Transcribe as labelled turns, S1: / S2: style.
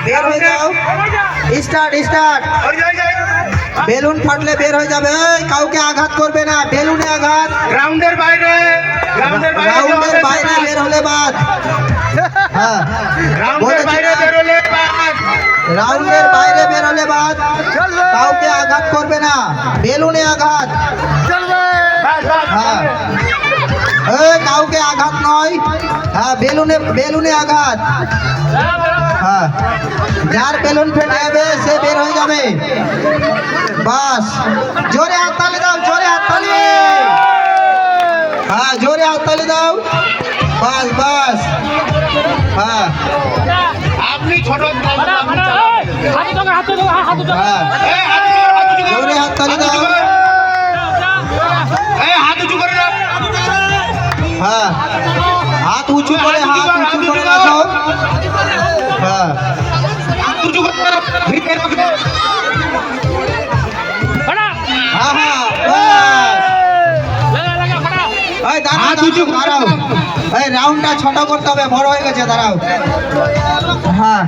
S1: বের হয়ে যাও। Start start. বেলুন ফাটলে বের হয়ে যাবে। এই কাউকে আঘাত করবে না, বেলুনে আঘাত।
S2: রাউন্ডের বাইরে
S1: বের হলে বাদ। হ্যাঁ,
S2: রাউন্ডের বাইরে বেরোলে বাদ।
S1: রাউন্ডের বাইরে বের হলে বাদ। কাউকে আঘাত করবে না, বেলুনে আঘাত। হ্যাঁ, এই কাউকে আঘাত নয়। হ্যাঁ, বেলুনে আঘাত। হ্যাঁ, যার বেলুন ফেটে যাবে সে বের হয়ে যাবে। বাস, জোরে হাততালি দাও, জোরে হাততালি। হ্যাঁ, জোরে হাততালি দাও। বাস বাস। হ্যাঁ,
S2: আপনি ছোট
S1: হ্যাঁ, জোরে হাততালি দাও।
S2: হাত উঁচু করে রাখ।
S1: হ্যাঁ, হাত উঁচু করে রাখো। হ্যাঁ,
S2: উঁচু করে রাখ।
S1: হ্যাঁ, হ্যাঁ, দাঁড়াও। এই রাউন্ডটা ছোট করতে হবে, বড় হয়ে গেছে, দাঁড়াও। হ্যাঁ।